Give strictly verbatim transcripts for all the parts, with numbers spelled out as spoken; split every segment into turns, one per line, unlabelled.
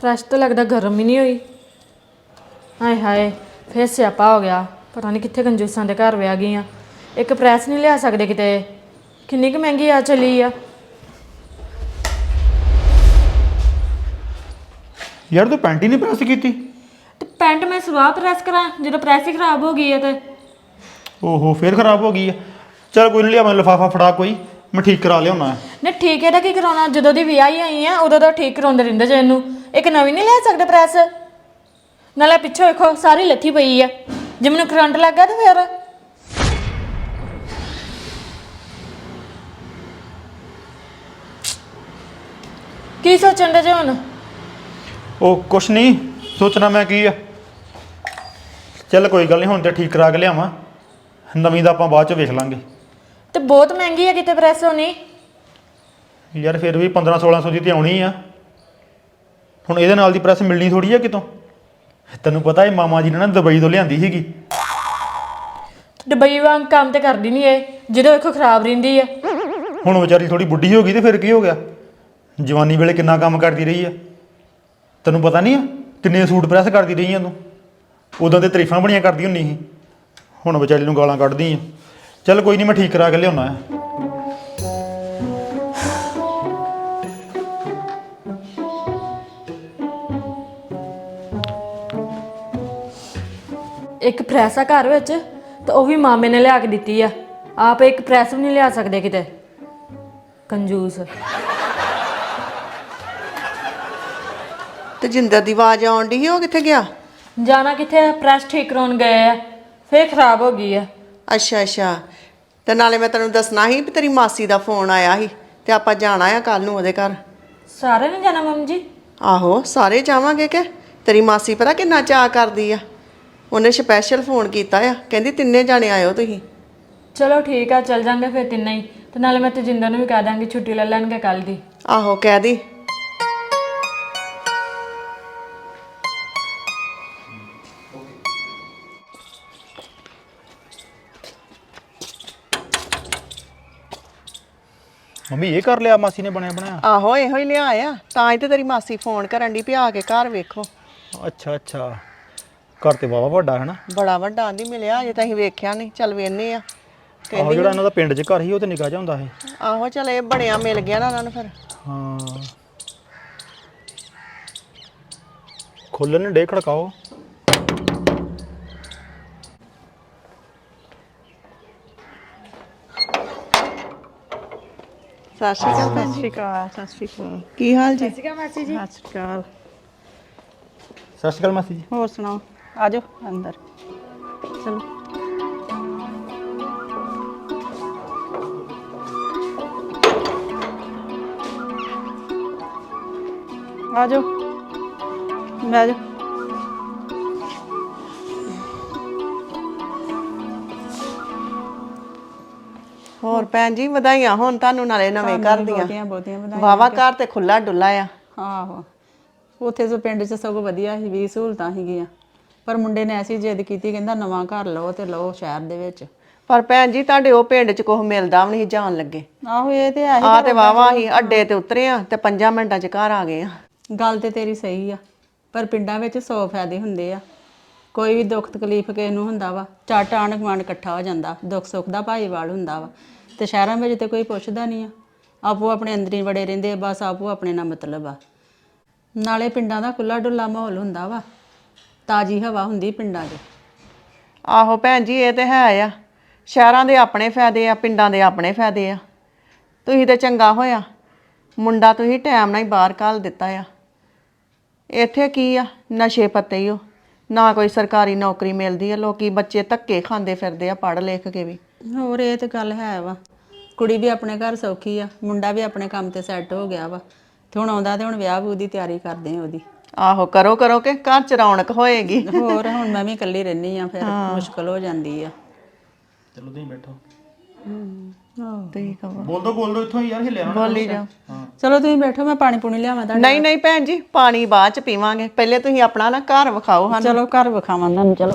Press ਤਾਂ ਲੱਗਦਾ ਗਰਮ ਹੀ ਨਹੀਂ ਹੋਈ। ਹਾਏ ਹਾਏ ਫੇਰ ਸਿਆਪਾ ਹੋ ਗਿਆ। ਪਤਾ ਨਹੀਂ ਕਿੱਥੇ ਕੰਜੂਸਾਂ ਦੇ ਘਰ ਵਿਆਹ ਗਈ ਆ। ਇੱਕ ਪ੍ਰੈਸ ਨਹੀਂ ਲਿਆ ਸਕਦੇ ਕਿਤੇ। ਕਿੰਨੀ ਕੁ ਮਹਿੰਗੀ ਆ ਚਲੀ ਆ।
ਯਾਰ ਤੂੰ ਪੈਂਟ ਹੀ ਨਹੀਂ ਪ੍ਰੈਸ ਕੀਤੀ।
ਤੇ ਪੈਂਟ ਮੈਂ ਸਵਾਹ ਪ੍ਰੈਸ ਕਰਾਂ ਜਦੋਂ ਪ੍ਰੈਸ ਹੀ ਖਰਾਬ ਹੋ ਗਈ ਆ ਤੇ।
ਓਹੋ ਫੇਰ ਖਰਾਬ ਹੋ ਗਈ ਆ। ਚੱਲ ਕੋਈ ਨਹੀਂ, ਲਿਆ ਮੈਂ ਲਿਫਾਫਾ ਫੜਾ, ਕੋਈ ਮੈਂ ਠੀਕ ਕਰਾ ਲਿਆਉਣਾ।
ਨਹੀਂ ਠੀਕ ਇਹਦਾ ਕੀ ਕਰਾਉਣਾ? ਜਦੋਂ ਦੀ ਵਿਆਹੀ ਆਈ ਆ ਉਦੋਂ ਦਾ ਠੀਕ ਕਰਾਉਂਦੇ ਰਹਿੰਦੇ ਜੇ ਇਹਨੂੰ। ਇੱਕ ਨਵੀਂ ਨਹੀਂ ਲੈ ਸਕਦੇ ਪ੍ਰੈਸ? ਨਾਲੇ ਪਿੱਛੋਂ ਵੇਖੋ ਸਾਰੀ ਲੱਥੀ ਪਈ ਆ। ਜੇ ਮੈਨੂੰ ਕਰੰਟ ਲੱਗ ਗਿਆ ਤੇ ਫਿਰ ਕੀ ਸੋਚਣ ਦੇ ਜੇ ਹੁਣ?
ਉਹ ਕੁਛ ਨਹੀਂ ਸੋਚਣਾ, ਮੈਂ ਕੀ ਆ। ਚੱਲ ਕੋਈ ਗੱਲ ਨਹੀਂ, ਹੁਣ ਤੇ ਠੀਕ ਕਰਾ ਕੇ ਲਿਆਵਾਂ। ਨਵੀਂ ਦਾ ਆਪਾਂ ਬਾਅਦ ਚ ਵੇਖ ਲਾਂਗੇ।
ਤੇ ਬਹੁਤ ਮਹਿੰਗੀ ਆ ਕਿਤੇ ਪ੍ਰੈਸ ਹੋਣੀ।
ਯਾਰ ਫਿਰ ਵੀ ਪੰਦਰਾਂ ਸੋਲਾਂ ਸੌ ਦੀ ਤੇ ਆਉਣੀ ਆ। ਹੁਣ ਇਹਦੇ ਨਾਲ ਦੀ ਪ੍ਰੈਸ ਮਿਲਣੀ ਥੋੜੀ ਆ ਕਿਤੋਂ। ਤੈਨੂੰ ਪਤਾ ਇਹ ਮਾਮਾ ਜੀ ਨੇ ਨਾ ਦੁਬਈ ਤੋਂ ਲਿਆਂਦੀ ਸੀਗੀ।
ਦੁਬਈ ਵਾਂਗ ਕੰਮ ਤੇ ਕਰਦੀ ਨਹੀਂ ਇਹ, ਜਦੋਂ ਵੇਖੋ ਖਰਾਬ ਰਹਿੰਦੀ ਆ।
ਹੁਣ ਵਿਚਾਰੀ ਥੋੜੀ ਬੁੱਢੀ ਹੋ ਗਈ ਤੇ ਫਿਰ ਕੀ ਹੋ ਗਿਆ? ਜਵਾਨੀ ਵੇਲੇ ਕਿੰਨਾ ਕੰਮ ਕਰਦੀ ਰਹੀ ਆ। ਤੈਨੂੰ ਪਤਾ ਨਹੀਂ ਆ ਕਿੰਨੇ ਸੂਟ ਪ੍ਰੈਸ ਕਰਦੀ ਰਹੀ ਆ ਤੂੰ। ਉਦੋਂ ਤੇ ਤਾਰੀਫਾਂ ਬੜੀਆਂ ਕਰਦੀ ਹੁੰਦੀ ਸੀ। ਹੁਣ ਵਿਚਾਰੀ ਨੂੰ ਗਾਲਾਂ ਕੱਢਦੀ ਆ। ਚੱਲ ਕੋਈ ਨਹੀਂ, ਮੈਂ ਠੀਕ ਕਰਾ ਕੇ ਲਿਆਉਣਾ ਆ।
ਇੱਕ ਪ੍ਰੈਸ ਆ ਘਰ ਵਿੱਚ ਤੇ ਉਹ ਵੀ ਮਾਮੇ ਨੇ ਲਿਆ ਕੇ ਦਿੱਤੀ ਆ। ਆਪ ਇੱਕ ਪ੍ਰੈਸ ਵੀ ਨਹੀਂ ਲਿਆ ਸਕਦੇ ਕਿਤੇ। ਕੰਜੂਸ।
ਤੇ ਜਿੰਦਰ ਦੀ ਆਵਾਜ਼ ਆਉਣ ਡਈ ਸੀ, ਉਹ ਕਿੱਥੇ ਗਿਆ?
ਜਾਣਾ ਕਿੱਥੇ? ਪ੍ਰੈਸ ਠੀਕ ਕਰਾਉਣ ਗਏ ਆ, ਫੇਰ ਖਰਾਬ ਹੋ ਗਈ ਆ।
ਅੱਛਾ ਅੱਛਾ। ਤੇ ਨਾਲੇ ਮੈਂ ਤੈਨੂੰ ਦੱਸਣਾ ਸੀ ਵੀ ਤੇਰੀ ਮਾਸੀ ਦਾ ਫੋਨ ਆਇਆ ਸੀ ਤੇ ਆਪਾਂ ਜਾਣਾ ਆ ਕੱਲ ਨੂੰ ਉਹਦੇ ਘਰ।
ਸਾਰੇ ਨੇ ਜਾਣਾ ਮੰਮੀ ਜੀ?
ਆਹੋ ਸਾਰੇ ਜਾਵਾਂਗੇ। ਕਿ ਤੇਰੀ ਮਾਸੀ ਪਤਾ ਕਿੰਨਾ ਚਾਅ ਕਰਦੀ ਆ। ਉਹਨੇ ਸਪੈਸ਼ਲ ਫੋਨ ਕੀਤਾ ਆ, ਕਹਿੰਦੀ ਤਿੰਨੇ ਜਾਣੇ ਆਇਓ ਤੁਸੀਂ।
ਚਲੋ ਠੀਕ ਆ, ਚੱਲ ਜਾਂਗੇ ਫਿਰ ਤਿੰਨੇ ਹੀ। ਤੇ ਨਾਲੇ ਮੈਂ ਤੇਜਿੰਦਰ ਨੂੰ ਵੀ ਕਹਿ ਦਾਂਗੀ ਛੁੱਟੀ ਲੈ ਲੈਣਗੇ ਕੱਲ ਦੀ।
ਆਹੋ ਕਹਿ ਦੀ।
ਮੰਮੀ ਇਹ ਕਰ ਲਿਆ ਮਾਸੀ ਨੇ ਬਣਿਆ ਬਣਾਇਆ?
ਆਹੋ ਇਹੋ ਹੀ ਲਿਆ ਆ, ਤਾਂ ਹੀ ਤੇ ਤੇਰੀ ਮਾਸੀ ਫੋਨ ਕਰਨ ਦੀ ਵੀ ਆ ਕੇ ਘਰ ਵੇਖੋ।
ਅੱਛਾ ਅੱਛਾ, ਘਰ ਤੇ ਵਾਵਾ ਵੱਡਾ ਹੈ ਨਾ।
ਬੜਾ ਵੱਡਾ ਆਂਦੀ ਮਿਲਿਆ, ਅਜੇ ਤਾਂ ਅਸੀਂ ਵੇਖਿਆ ਨਹੀਂ। ਚੱਲ ਵੇਖਨੇ ਆ।
ਆਹੋ ਜਿਹੜਾ ਇਹਨਾਂ ਦਾ ਪਿੰਡ 'ਚ ਘਰ ਸੀ ਉਹ ਤੇ ਨਿੱਕਾ ਜਿਹਾ ਹੁੰਦਾ ਸੀ।
ਆਹੋ ਚੱਲ ਇਹ ਬਣਿਆ ਮਿਲ ਗਿਆ ਨਾ ਉਹਨਾਂ ਨੂੰ ਫਿਰ।
ਹਾਂ ਖੋਲਣ ਡੇ ਖੜਕਾਓ।
ਸਤਿ ਸ਼੍ਰੀ ਅਕਾਲ ਭੈਣ ਜੀ।
ਸਤਿ ਸ਼੍ਰੀ ਅਕਾਲ।
ਕੀ ਹਾਲ ਜੀ?
ਸਤਿ ਸ਼੍ਰੀ ਅਕਾਲ ਮਾਸੀ ਜੀ।
ਸਤਿ ਸ਼੍ਰੀ ਅਕਾਲ।
ਸਤਿ ਸ਼੍ਰੀ ਅਕਾਲ ਮਾਸੀ ਜੀ।
ਹੋਰ ਸੁਣਾਓ? ਆ ਜਾਓ ਅੰਦਰ ਚਲੋ। ਆ ਜਾਓ ਬਹਿ ਜਾਓ।
ਹੋਰ ਭੈਣ ਜੀ ਵਧਾਈਆਂ ਹੋਣ ਤੁਹਾਨੂੰ ਨਾਲੇ ਨਵੇਂ ਘਰ ਦੀਆਂ।
ਬਹੁਤੀਆਂ ਬਹੁਤੀਆਂ ਵਧਾਈਆਂ।
ਵਾਵਾ ਘਰ ਤੇ ਖੁੱਲਾ ਡੁੱਲਾ ਆ।
ਆਹੋ ਉੱਥੇ ਸੋ ਪਿੰਡ 'ਚ ਸਗੋਂ ਵਧੀਆ ਸੀ, ਵੀ ਸਹੂਲਤਾਂ ਸੀਗੀਆਂ। ਪਰ ਮੁੰਡੇ ਨੇ ਐਸੀ ਜਿੱਦ ਕੀਤੀ, ਕਹਿੰਦਾ ਨਵਾਂ ਘਰ ਲਓ ਤੇ ਲਓ ਸ਼ਹਿਰ ਦੇ ਵਿੱਚ।
ਪਰ ਭੈਣ ਜੀ ਤੁਹਾਡੇ ਉਹ ਪਿੰਡ 'ਚ ਕੁਝ ਮਿਲਦਾ ਵੀ ਨਹੀਂ ਜਾਣ ਲੱਗੇ।
ਆਹੋ ਇਹ ਤੇ ਹੈ ਹੀ।
ਆ ਤੇ ਵਾਵਾ ਹੀ ਅੱਡੇ ਤੇ ਉਤਰੇ ਆ ਤੇ ਪੰਜਾਂ ਮਿੰਟਾਂ 'ਚ ਘਰ ਆ ਗਏ ਆ।
ਗੱਲ ਤੇ ਤੇਰੀ ਸਹੀ ਆ, ਪਰ ਪਿੰਡਾਂ ਵਿੱਚ ਸੌ ਫਾਇਦੇ ਹੁੰਦੇ ਆ। ਕੋਈ ਵੀ ਦੁੱਖ ਤਕਲੀਫ ਕਿਸੇ ਨੂੰ ਹੁੰਦਾ ਵਾ, ਝੱਟ ਆਂਢ ਗੁਆਂਢ ਇਕੱਠਾ ਹੋ ਜਾਂਦਾ, ਦੁੱਖ ਸੁੱਖ ਦਾ ਭਾਈਵਾਲ ਹੁੰਦਾ ਵਾ। ਤੇ ਸ਼ਹਿਰਾਂ ਵਿੱਚ ਤੇ ਕੋਈ ਪੁੱਛਦਾ ਨਹੀਂ ਆ, ਆਪੋ ਆਪਣੇ ਅੰਦਰ ਹੀ ਵੜੇ ਰਹਿੰਦੇ ਆ, ਬਸ ਆਪੋ ਆਪਣੇ ਨਾਲ ਮਤਲਬ ਆ। ਨਾਲੇ ਪਿੰਡਾਂ ਦਾ ਖੁੱਲਾ ਡੁੱਲਾ ਮਾਹੌਲ ਹੁੰਦਾ ਵਾ, ਤਾਜ਼ੀ ਹਵਾ ਹੁੰਦੀ ਪਿੰਡਾਂ 'ਚ।
ਆਹੋ ਭੈਣ ਜੀ ਇਹ ਤੇ ਹੈ ਆ। ਸ਼ਹਿਰਾਂ ਦੇ ਆਪਣੇ ਫਾਇਦੇ ਆ, ਪਿੰਡਾਂ ਦੇ ਆਪਣੇ ਫਾਇਦੇ ਆ। ਤੁਸੀਂ ਤੇ ਚੰਗਾ ਹੋਇਆ ਮੁੰਡਾ ਤੁਸੀਂ ਟਾਈਮ ਨਾਲ ਹੀ ਬਾਹਰ ਘੱਲ ਦਿੱਤਾ ਆ। ਇੱਥੇ ਕੀ ਆ, ਨਸ਼ੇ ਪੱਤੇ ਹੀ ਹੋ, ਨਾ ਕੋਈ ਸਰਕਾਰੀ ਨੌਕਰੀ ਮਿਲਦੀ ਆ। ਲੋਕੀ ਬੱਚੇ ਧੱਕੇ ਖਾਂਦੇ ਫਿਰਦੇ ਆ ਪੜ੍ਹ ਲਿਖ ਕੇ ਵੀ।
ਹੋਰ ਇਹ ਤੇ ਗੱਲ ਹੈ ਵਾ। ਕੁੜੀ ਵੀ ਆਪਣੇ ਘਰ ਸੌਖੀ ਆ, ਮੁੰਡਾ ਵੀ ਆਪਣੇ ਕੰਮ ਤੇ ਸੈੱਟ ਹੋ ਗਿਆ ਵਾ। ਤੇ ਹੁਣ ਆਉਂਦਾ ਤੇ ਹੁਣ ਵਿਆਹ ਵੂ ਦੀ ਤਿਆਰੀ ਕਰਦੇ ਆ ਉਹਦੀ।
ਆਹੋ ਕਰੋ ਕਰੋ ਕਿ ਘਰ 'ਚ ਰੌਣਕ ਹੋਏਗੀ।
ਹੋਰ ਹੁਣ ਮੈਂ ਵੀ ਇਕੱਲੀ ਰਹਿੰਦੀ ਆ, ਫਿਰ ਮੁਸ਼ਕਲ ਹੋ ਜਾਂਦੀ ਆ।
ਚਲੋ ਤੁਸੀਂ ਬੈਠੋ।
ਤੁਸੀਂ ਕਹੋ
ਬੋਲ ਦੋ ਬੋਲ ਦੋ ਇੱਥੋਂ ਯਾਰ, ਹਿੱਲਿਆ ਨਾ।
ਬੋਲੀ ਜਾ।
ਚਲੋ ਤੁਸੀਂ ਬੈਠੋ, ਮੈਂ ਪਾਣੀ ਪੂਣੀ ਲਿਆਵਾਂ ਤੁਹਾਡੇ।
ਨਹੀਂ ਨਹੀਂ ਭੈਣ ਜੀ ਪਾਣੀ ਬਾਅਦ 'ਚ ਪੀਵਾਂਗੇ, ਪਹਿਲੇ ਤੁਸੀਂ ਆਪਣਾ ਨਾ ਘਰ ਵਿਖਾਓ ਸਾਨੂੰ।
ਚਲੋ ਘਰ ਵਿਖਾਵਾਂ ਤੁਹਾਨੂੰ। ਚਲੋ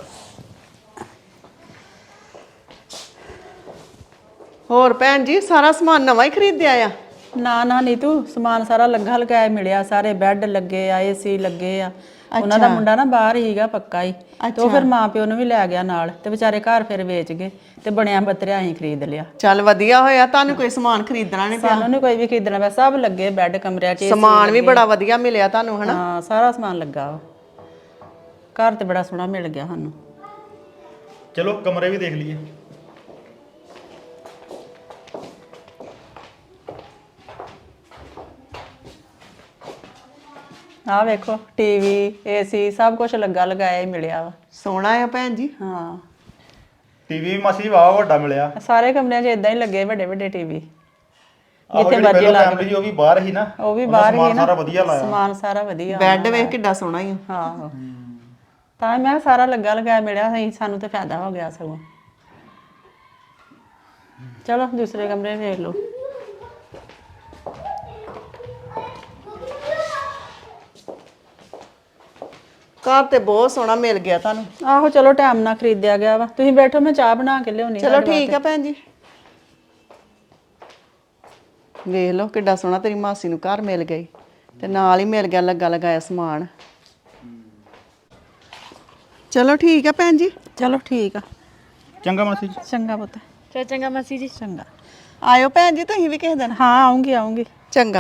ਹੋਰ ਭੈਣ ਜੀ ਸਾਰਾ ਸਮਾਨ ਨਵਾਂ ਹੀ ਖਰੀਦਿਆ ਆ?
ਨਾ ਨਾ ਨੀਤੂ ਸਮਾਨ ਸਾਰਾ ਲੱਗਾ ਲਗਾਇਆ ਮਿਲਿਆ, ਸਾਰੇ ਬੈੱਡ ਲੱਗੇ ਆ, ਏਸੀ ਲੱਗੇ ਆ। ਉਹਨਾਂ ਦਾ ਮੁੰਡਾ ਨਾ ਬਾਹਰ ਹੀਗਾ ਪੱਕਾ ਹੀ, ਤੇ ਉਹ ਫਿਰ ਮਾਂ ਪਿਓ ਨੂੰ ਵੀ ਲੈ ਗਿਆ ਨਾਲ, ਤੇ ਵਿਚਾਰੇ ਘਰ ਫਿਰ ਵੇਚ ਗਏ ਤੇ ਬਣਿਆ ਬਤਰਿਆ ਅਸੀਂ ਖਰੀਦ ਲਿਆ।
ਚੱਲ ਵਧੀਆ ਹੋਇਆ, ਤੁਹਾਨੂੰ ਕੋਈ ਸਮਾਨ ਖਰੀਦਣਾ ਨਹੀਂ ਪਿਆ।
ਸਾਨੂੰ ਨਹੀਂ ਕੋਈ ਵੀ ਖਰੀਦਣਾ ਪਿਆ, ਸਭ ਲੱਗੇ ਬੈੱਡ ਕਮਰਿਆਂ 'ਚ।
ਸਮਾਨ ਵੀ ਬੜਾ ਵਧੀਆ ਮਿਲਿਆ ਤੁਹਾਨੂੰ ਹਨਾ।
ਹਾਂ ਸਾਰਾ ਸਮਾਨ ਲੱਗਾ ਵਾ, ਘਰ ਤੇ ਬੜਾ ਸੋਹਣਾ ਮਿਲ ਗਿਆ ਸਾਨੂੰ।
ਚਲੋ ਕਮਰੇ ਵੀ ਦੇਖ ਲਈਏ।
ਆਹ ਵੇਖੋ ਟੀਵੀ ਏਸੀ ਸਭ ਕੁਝ ਲੱਗਾ ਲਗਾਇਆ ਹੀ ਮਿਲਿਆ ਵਾ।
ਸੋਹਣਾ ਆ ਭੈਣ ਜੀ।
ਹਾਂ
ਟੀਵੀ ਵੀ ਮਾਸੀ ਵਾਹ ਵੱਡਾ ਮਿਲਿਆ।
ਸਾਰੇ ਕਮਰਿਆਂ 'ਚ ਇਦਾਂ ਹੀ ਲੱਗੇ ਵੱਡੇ ਵੱਡੇ ਟੀਵੀ।
ਜਿੱਥੇ ਮਰਜ਼ੀ ਲਾ ਫੈਮਿਲੀ ਉਹ ਵੀ ਬਾਹਰ ਹੀ ਨਾ,
ਉਹ ਵੀ ਬਾਹਰ ਹੀ ਨਾ,
ਸਾਰਾ ਵਧੀਆ ਲਾਇਆ,
ਸਮਾਨ ਸਾਰਾ ਵਧੀਆ।
ਬੈੱਡ ਵੇਖ ਕਿੱਡਾ ਸੋਹਣਾ ਹੀ ਆ।
ਹਾਂ ਤਾਂ ਮੈਂ ਸਾਰਾ ਲੱਗਾ ਲਗਾਇਆ ਮਿਲਿਆ ਸਹੀ, ਸਾਨੂੰ ਤੇ ਫਾਇਦਾ ਹੋ ਗਿਆ ਸਗੋਂ। ਚਲੋ ਦੂਸਰੇ ਕਮਰੇ ਵੇਖ ਲਓ।
ਘਰ ਤੇ ਬਹੁਤ ਸੋਹਣਾ ਮਿਲ ਗਿਆ ਤੁਹਾਨੂੰ।
ਆਹੋ ਚਲੋ ਟਾਈਮ ਨਾਲ ਖਰੀਦਿਆ ਗਿਆ ਵਾ। ਤੁਸੀਂ ਬੈਠੋ ਮੈਂ ਚਾਹ ਬਣਾ ਕੇ ਲਿਆਉਣੀ।
ਚਲੋ ਠੀਕ ਆ ਭੈਣ ਜੀ। ਵੇਖ ਲਓ ਕਿੱਡਾ ਸੋਹਣਾ ਤੇਰੀ ਮਾਸੀ ਨੂੰ ਘਰ ਮਿਲ ਗਈ, ਤੇ ਨਾਲ ਹੀ ਮਿਲ ਗਿਆ ਲੱਗਾ ਲਗਾਇਆ ਸਮਾਨ। ਚਲੋ ਠੀਕ ਆ ਭੈਣ ਜੀ।
ਚਲੋ ਠੀਕ ਆ।
ਚੰਗਾ ਮਾਸੀ ਜੀ।
ਚੰਗਾ ਪੁੱਤ।
ਚਲ ਚੰਗਾ ਮਾਸੀ ਜੀ।
ਚੰਗਾ।
ਆਇਓ ਭੈਣ ਜੀ ਤੁਸੀਂ ਵੀ ਕਿਸੇ ਦਿਨ।
ਹਾਂ ਆਉਂਗੀ ਆਉਂਗੀ।
ਚੰਗਾ।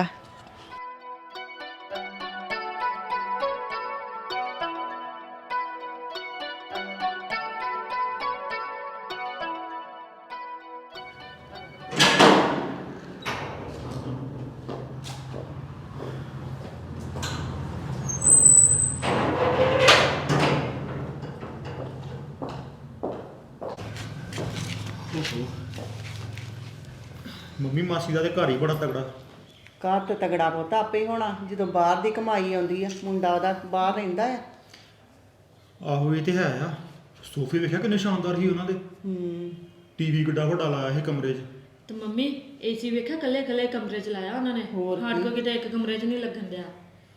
ਮੰਮੀ ਮਾਸੀ ਦਾ ਤੇ ਘਰ ਹੀ ਬੜਾ ਤਗੜਾ।
ਘਰ ਤੇ ਤਗੜਾ ਪੁੱਤ ਆਪੇ ਹੀ ਹੋਣਾ, ਜਦੋਂ ਬਾਹਰ ਦੀ ਕਮਾਈ ਆਉਂਦੀ ਆ। ਮੁੰਡਾ ਉਹਦਾ ਬਾਹਰ ਰਹਿੰਦਾ ਆ।
ਆਹੋ ਇਹ ਤੇ ਹੈ ਆ। ਸੋਫੇ ਵੇਖਿਆ ਕਿੰਨੇ ਸ਼ਾਨਦਾਰ ਸੀ ਉਹਨਾਂ ਦੇ।
ਹੂੰ
ਟੀਵੀ ਕਿੱਡਾ ਵੱਡਾ ਲਾਇਆ ਸੀ ਕਮਰੇ 'ਚ।
ਤੇ ਮੰਮੀ ਏਸੀ ਵੇਖਿਆ ਕੱਲੇ ਕੱਲੇ ਕਮਰੇ 'ਚ ਲਾਇਆ ਉਹਨਾਂ ਨੇ, ਸਾਡੇ ਕੋਲ ਕਿਤੇ ਇੱਕ ਕਮਰੇ 'ਚ ਨਹੀਂ ਲੱਗਣ ਦਿਆ।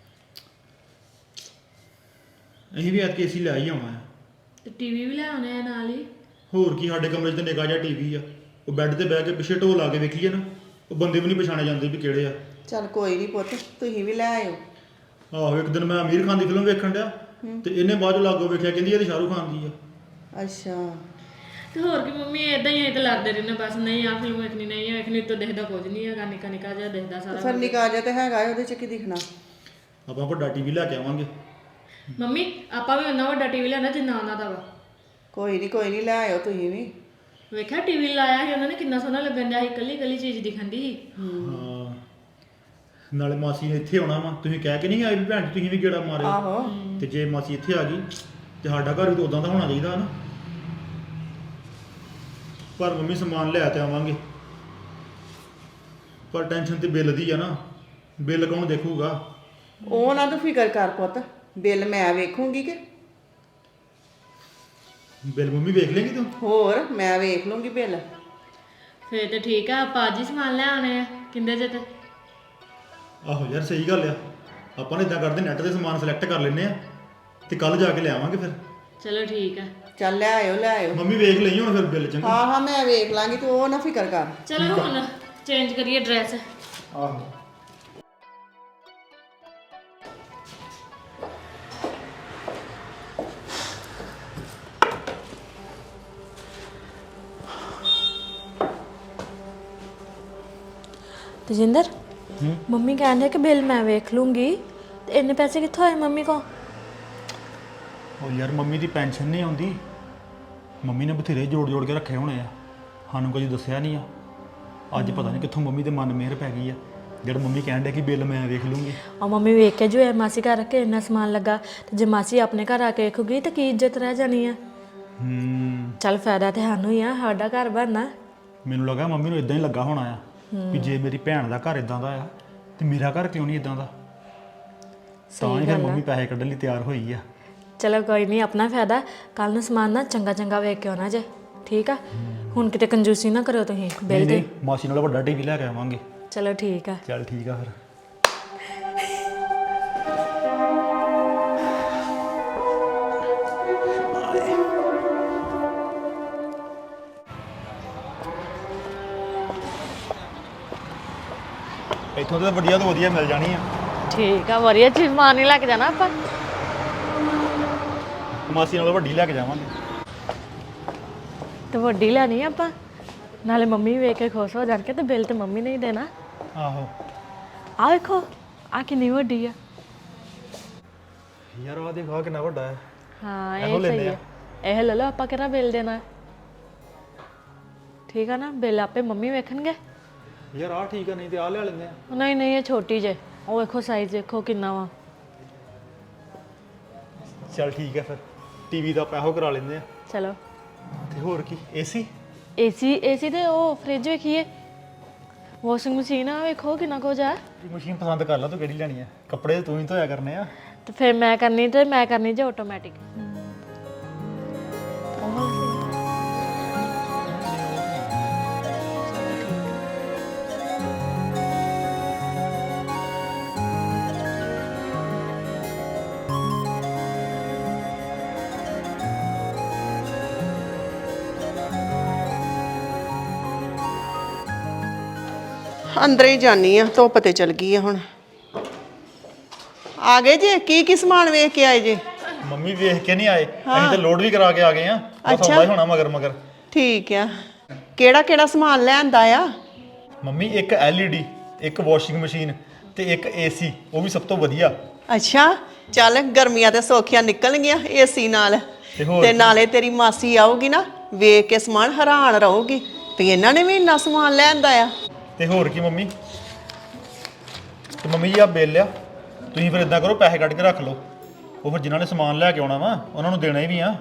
ਅਸੀਂ ਵੀ ਐਤਕੀ ਏਸੀ ਲੈ ਹੀ ਆਉਣਾ ਆ।
ਤੇ ਟੀਵੀ ਵੀ ਲੈ ਆਉਣੇ ਆ ਨਾਲ ਹੀ।
ਹੋਰ ਕੀ, ਸਾਡੇ ਕਮਰੇ 'ਚ ਤੇ ਨਿੱਕਾ ਜਿਹਾ ਟੀਵੀ ਆ। ਉਹ ਬੈੱਡ ਤੇ ਬਹਿ ਕੇ ਪਿੱਛੇ ਢੋਲ ਲਾ ਕੇ ਵੇਖੀਏ ਨਾ, ਉਹ ਬੰਦੇ ਵੀ ਨਹੀਂ ਪਛਾਣੇ ਜਾਂਦੇ ਵੀ ਕਿਹੜੇ ਆ।
ਚੱਲ ਕੋਈ ਨਹੀਂ ਪੁੱਤ, ਤੁਸੀਂ ਵੀ ਲੈ ਆਇਓ।
ਆਹੋ ਇੱਕ ਦਿਨ ਮੈਂ ਅਮੀਰ ਖਾਨ ਦੀ ਫਿਲਮ ਵੇਖਣ ਡਿਆ, ਤੇ ਇਹਨੇ ਬਾਅਦ ਚੋਂ ਲਾਗੋ ਵੇਖਿਆ, ਕਹਿੰਦੀ ਇਹ ਤੇ ਸ਼ਾਹਰੁਖ ਖਾਨ ਦੀ ਆ।
ਅੱਛਾ।
ਤੇ ਹੋਰ ਕੀ ਮੰਮੀ ਇਦਾਂ ਹੀ ਤੇ ਲੜਦੇ ਰਹਿੰਦੇ ਬਸ, ਨਹੀਂ ਆ ਫਿਲਮ ਵੇਖਣੀ ਨਹੀਂ ਆ ਵੇਖਣੀ, ਤੋਂ ਦਿਖਦਾ ਕੁਝ ਨਹੀਂ ਹੈਗਾ, ਨਿੱਕਾ ਨਿੱਕਾ ਜਿਹਾ ਦਿਖਦਾ ਸਾਰਾ।
ਫਿਰ ਨਿੱਕਾ ਜਿਹਾ ਤੇ ਹੈਗਾ, ਉਹਦੇ ਚ ਕੀ ਦਿਖਣਾ।
ਆਪਾਂ ਵੱਡਾ ਟੀਵੀ ਲੈ ਕੇ ਆਵਾਂਗੇ।
ਮੰਮੀ ਆਪਾਂ ਵੀ ਉਹਨਾਂ ਵੱਡਾ ਟੀਵੀ ਲੈਣਾ ਜਿੰਨਾ ਉਹਨਾਂ ਦਾ ਵਾ।
ਕੋਈ ਨਹੀਂ ਕੋਈ ਨਹੀਂ, ਲੈ ਆਇਓ ਤੁਸੀਂ ਵੀ।
ਵੇਖਿਆ ਟੀਵੀ ਲਾਇਆ ਸੀ ਉਹਨਾਂ ਨੇ, ਕਿੰਨਾ ਸੋਹਣਾ ਲੱਗਣ ਡਿਆ ਸੀ, ਕੱਲੀ ਕੱਲੀ ਚੀਜ਼ ਦਿਖਣ ਦੀ ਸੀ।
ਹਾਂ ਨਾਲੇ ਮਾਸੀ ਨੇ ਇੱਥੇ ਆਉਣਾ ਵਾ, ਤੁਸੀਂ ਕਹਿ ਕੇ ਨਹੀਂ ਆਏ ਵੀ ਭੈਣ ਜੀ ਤੁਸੀਂ ਵੀ ਗੇੜਾ ਮਾਰਿਓ।
ਆਹੋ।
ਤੇ ਜੇ ਮਾਸੀ ਇੱਥੇ ਆ ਗਈ ਤੇ ਸਾਡਾ ਘਰ ਵੀ ਤਾਂ ਉਦਾਂ ਦਾ ਹੋਣਾ ਚਾਹੀਦਾ ਨਾ। ਪਰ ਮੰਮੀ ਸਮਾਨ ਲੈ ਤੇ ਆਵਾਂਗੇ, ਪਰ ਟੈਨਸ਼ਨ ਤੇ ਬਿੱਲ ਦੀ ਆ ਨਾ। ਬਿੱਲ ਕੌਣ ਦੇਖੂਗਾ?
ਉਹ ਨਾ ਤੂੰ ਫਿਕਰ ਕਰ ਪੁੱਤ, ਬਿੱਲ ਮੈਂ ਵੇਖੂੰਗੀ ਕਿ
ਬਿੱਲ ਮੰਮੀ ਵੇਖ ਲੇਗੀ ਤੂੰ?
ਹੋਰ ਮੈਂ ਵੇਖ ਲੂੰਗੀ ਬਿੱਲ।
ਫੇਰ ਤੇ ਠੀਕ ਆ, ਆਪਾਂ ਅੱਜ ਹੀ ਸਮਾਨ ਲੈ ਆਉਣੇ ਆ ਕਿੰਦੇ ਜੇ ਤੇ।
ਆਹੋ ਯਾਰ ਸਹੀ ਗੱਲ ਆ। ਆਪਾਂ ਨੇ ਇਦਾਂ ਕਰਦੇ, ਨੈਟ ਤੇ ਸਮਾਨ ਸਿਲੈਕਟ ਕਰ ਲੈਨੇ ਆ ਤੇ ਕੱਲ ਜਾ ਕੇ ਲੈ ਆਵਾਂਗੇ ਫਿਰ।
ਚਲੋ ਠੀਕ ਆ।
ਚੱਲ ਲੈ ਆਇਓ ਲੈ ਆਇਓ।
ਮੰਮੀ ਵੇਖ ਲਈ ਹੁਣ ਫਿਰ ਬਿੱਲ ਚੰਗਾ।
ਹਾਂ ਹਾਂ ਮੈਂ ਵੇਖ ਲਾਂਗੀ, ਤੂੰ ਉਹ ਨਾ ਫਿਕਰ ਕਰ।
ਚਲੋ ਹੁਣ ਚੇਂਜ ਕਰੀਏ ਡਰੈਸ।
ਆਹੋ
ਤਜਿੰਦਰ ਮੰਮੀ ਕਹਿੰਦੇ ਕਿ ਬਿੱਲ ਮੈਂ ਵੇਖ ਲੂੰਗੀ, ਤੇ ਇੰਨੇ ਪੈਸੇ ਕਿੱਥੋਂ ਆਏ ਮੰਮੀ ਕੋ?
ਉਹ ਯਾਰ ਮੰਮੀ ਦੀ ਪੈਨਸ਼ਨ ਨਹੀਂ ਆਉਂਦੀ, ਮੰਮੀ ਨੇ ਬਥੇਰੇ ਜੋੜ ਜੋੜ ਕੇ ਰੱਖੇ ਹੋਣੇ ਆ, ਸਾਨੂੰ ਕਦੀ ਦੱਸਿਆ ਨਹੀਂ ਆ। ਅੱਜ ਪਤਾ ਨਹੀਂ ਕਿੱਥੋਂ ਮੰਮੀ ਦੇ ਮਨ ਮਿਹਰ ਪੈ ਗਈ ਆ, ਜਿਹੜਾ ਮੰਮੀ ਕਹਿਣ ਡਿਆ ਕਿ ਬਿੱਲ ਮੈਂ ਵੇਖ ਲੂੰਗੀ।
ਆ ਮੰਮੀ ਵੇਖ ਕੇ ਜੋ ਹੈ ਮਾਸੀ ਘਰ ਕੇ ਇੰਨਾ ਸਮਾਨ ਲੱਗਾ, ਤੇ ਜੇ ਮਾਸੀ ਆਪਣੇ ਘਰ ਆ ਕੇ ਵੇਖੂਗੀ ਤਾਂ ਕੀ ਇੱਜ਼ਤ ਰਹਿ ਜਾਣੀ ਆ।
ਹੂੰ
ਚੱਲ ਫਾਇਦਾ ਤੇ ਸਾਨੂੰ ਹੀ ਆ, ਸਾਡਾ ਘਰ ਬਣਨਾ।
ਮੈਨੂੰ ਲੱਗਾ ਮੰਮੀ ਨੂੰ ਇਦਾਂ ਹੀ ਲੱਗਾ ਹੋਣਾ ਆ ਵੀ ਜੇ ਮੇਰੀ ਭੈਣ ਦਾ ਘਰ ਇਦਾਂ ਦਾ ਆ ਤੇ ਮੇਰਾ ਘਰ ਕਿਉਂ ਨਹੀਂ ਇਦਾਂ ਦਾ। ਤਾਂ ਹੀ ਫਿਰ ਮੰਮੀ ਪੈਸੇ ਕੱਢਣ ਲਈ ਤਿਆਰ ਹੋਈ ਆ।
ਚਲੋ ਕੋਈ ਨਹੀਂ, ਆਪਣਾ ਫਾਇਦਾ। ਕੱਲ ਨੂੰ ਸਮਾਨ ਨਾ ਚੰਗਾ ਚੰਗਾ ਵੇਖ ਕੇ ਆਉਣਾ ਜੇ, ਠੀਕ ਆ? ਹੁਣ ਕਿਤੇ ਕੰਜੂਸੀ ਨਾ ਕਰਿਓ ਤੁਸੀਂ ਬਿੱਲ ਤੇ।
ਮਾਸੀ ਨਾਲ ਵੱਡਾ ਟੀਵੀ ਲੈ ਕੇ ਆਵਾਂਗੇ।
ਚਲੋ ਠੀਕ ਆ।
ਚੱਲ ਠੀਕ ਆ ਫਿਰ। ਇੱਥੋਂ ਤਾਂ ਵਧੀਆ ਤੋਂ ਵਧੀਆ ਮਿਲ ਜਾਣੀ ਆ।
ਠੀਕ ਆ, ਵਧੀਆ ਚੀਜ਼ ਮਾਰ ਨਹੀਂ ਲੈ ਕੇ ਜਾਣਾ ਆਪਾਂ।
ਮਾਸੀ ਨਾਲੋਂ ਵੱਡੀ ਲੈ ਕੇ ਜਾਵਾਂਗੇ।
ਤੇ ਵੱਡੀ ਲੈਣੀ ਆ ਆਪਾਂ, ਨਾਲੇ ਮੰਮੀ ਵੇਖ ਕੇ ਖੁਸ਼ ਹੋ ਜਾਣਗੇ ਤੇ ਬਿੱਲ ਤੇ ਮੰਮੀ ਨੇ ਹੀ ਦੇਣਾ।
ਆਹੋ
ਆ ਵੇਖੋ, ਆ ਕਿੰਨੀ ਵੱਡੀ ਆ।
ਯਾਰ ਆਹ ਦੇਖੋ ਆਹ ਕਿੰਨਾ ਵੱਡਾ ਹੈ।
ਹਾਂ
ਇਹੋ
ਇਹ
ਲੈਂਦੇ
ਸਹੀ
ਆ।
ਹੈ। ਇਹ ਲੈ ਲਓ, ਆਪਾਂ ਕਿਹੜਾ ਬਿੱਲ ਦੇਣਾ ਹੈ। ਠੀਕ ਆ ਨਾ, ਬਿੱਲ ਆਪੇ ਮੰਮੀ ਵੇਖਣਗੇ।
ਯਾਰ ਆਹ ਠੀਕ ਆ, ਨਹੀਂ ਤੇ ਆਹ ਲੈ ਲੈਂਦੇ ਆ।
ਨਹੀਂ ਨਹੀਂ, ਇਹ ਛੋਟੀ ਜੇ। ਉਹ ਵੇਖੋ ਸਾਈਜ਼ ਦੇਖੋ ਕਿੰਨਾ ਵਾ।
ਚੱਲ ਠੀਕ ਹੈ ਫਿਰ, ਟੀਵੀ ਦਾ ਪੈਸੋ ਕਰਾ ਲੈਂਦੇ ਆ।
ਚਲੋ।
ਤੇ ਹੋਰ ਕੀ, ਏਸੀ?
ਏਸੀ ਏਸੀ ਤੇ ਉਹ ਫ੍ਰਿਜ ਵੇਖੀਏ, ਵਾਸ਼ਿੰਗ ਮਸ਼ੀਨ ਆ ਵੇਖੋ ਕਿੰਨਾ ਕੁਝ ਆ।
ਮਸ਼ੀਨ ਪਸੰਦ ਕਰ ਲਾ, ਤੂੰ ਕਿਹੜੀ ਲੈਣੀ ਆ? ਕੱਪੜੇ ਤੂੰ ਹੀ ਧੋਇਆ ਕਰਨੇ ਆ।
ਤੇ ਫਿਰ ਮੈਂ ਕਰਨੀ ਤੇ ਮੈਂ ਕਰਨੀ ਜੇ ਆਟੋਮੈਟਿਕ।
ਅੰਦਰ ਹੀ ਜਾਨੀ ਆ, ਧੁੱਪ ਤੇ ਚਲ ਗਈ ਆ ਹੁਣ। ਆ ਗਏ ਜੇ? ਕੀ ਕੀ ਸਮਾਨ ਵੇਖ ਕੇ ਆਏ ਜੇ?
ਮੰਮੀ ਵੇਖ ਕੇ ਨਹੀਂ ਆਏ, ਅਸੀਂ ਤਾਂ ਲੋਡ ਵੀ ਕਰਾ ਕੇ ਆ ਗਏ ਆ। ਬਸ ਆਉਂਦਾ ਹੀ ਹੋਣਾ ਮਗਰ ਮਗਰ।
ਠੀਕ ਆ। ਕਿਹੜਾ ਕਿਹੜਾ ਸਮਾਨ ਲੈਂਦਾ ਆ?
ਮੰਮੀ ਇੱਕ ਐਲ ਈ ਡੀ, ਇੱਕ ਵਾਸ਼ਿੰਗ ਮਸ਼ੀਨ ਤੇ ਇੱਕ ਏਸੀ, ਉਹ ਵੀ ਸਭ ਤੋਂ ਵਧੀਆ।
ਅੱਛਾ, ਚੱਲ ਗਰਮੀਆਂ ਤੇ ਸੌਖੀਆਂ ਨਿਕਲ ਗਈਆਂ ਏਸੀ ਨਾਲ।
ਤੇ ਹੋਰ
ਤੇ ਨਾਲੇ ਤੇਰੀ ਮਾਸੀ ਆਊਗੀ ਨਾ, ਵੇਖ ਕੇ ਸਮਾਨ ਹੈਰਾਨ ਰਹੂਗੀ ਵੀ ਇਹਨਾਂ ਨੇ ਵੀ ਇੰਨਾ ਸਮਾਨ ਲੈਂਦਾ ਆ।
ਤੇ ਹੋਰ ਕੀ ਮੰਮੀ। ਤੇ ਮੰਮੀ ਜੀ ਆ ਬਿੱਲ ਆ, ਤੁਸੀਂ ਫਿਰ ਇਦਾਂ ਕਰੋ, ਪੈਸੇ ਕੱਢ ਕੇ ਰੱਖ ਲਓ। ਉਹ ਫਿਰ ਜਿਨ੍ਹਾਂ ਨੇ ਸਮਾਨ ਲੈ ਕੇ ਆਉਣਾ ਵਾ ਉਹਨਾਂ ਨੂੰ ਦੇਣਾ ਹੀ ਵੀ ਆ।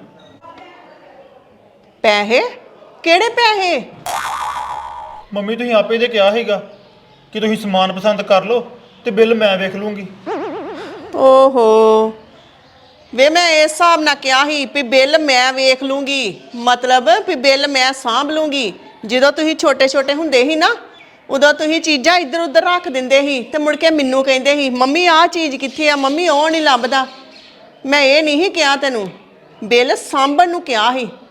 ਪੈਸੇ? ਕਿਹੜੇ ਪੈਸੇ?
ਮੰਮੀ ਤੁਸੀਂ ਆਪੇ ਤੇ ਕਿਹਾ ਸੀਗਾ ਕਿ ਤੁਸੀਂ ਸਮਾਨ ਪਸੰਦ ਕਰ ਲਓ ਤੇ ਬਿੱਲ ਮੈਂ ਵੇਖ ਲੂੰਗੀ।
ਓਹੋ, ਵੇ ਮੈਂ ਇਸ ਹਿਸਾਬ ਨਾਲ ਕਿਹਾ ਸੀ ਵੀ ਬਿੱਲ ਮੈਂ ਵੇਖ ਲੂੰਗੀ, ਮਤਲਬ ਵੀ ਬਿੱਲ ਮੈਂ ਸਾਂਭ ਲੂੰਗੀ। ਜਦੋਂ ਤੁਸੀਂ ਛੋਟੇ ਛੋਟੇ ਹੁੰਦੇ ਸੀ ਨਾ, ਉਦੋਂ ਤੁਸੀਂ ਚੀਜ਼ਾਂ ਇੱਧਰ ਉੱਧਰ ਰੱਖ ਦਿੰਦੇ ਸੀ ਤੇ ਮੁੜ ਕੇ ਮੈਨੂੰ ਕਹਿੰਦੇ ਸੀ ਮੰਮੀ ਆਹ ਚੀਜ਼ ਕਿੱਥੇ ਆ, ਮੰਮੀ ਉਹ ਨਹੀਂ ਲੱਭਦਾ। ਮੈਂ ਇਹ ਨਹੀਂ ਕਿਹਾ ਤੈਨੂੰ, ਬਿੱਲ ਸਾਂਭਣ ਨੂੰ ਕਿਹਾ ਸੀ।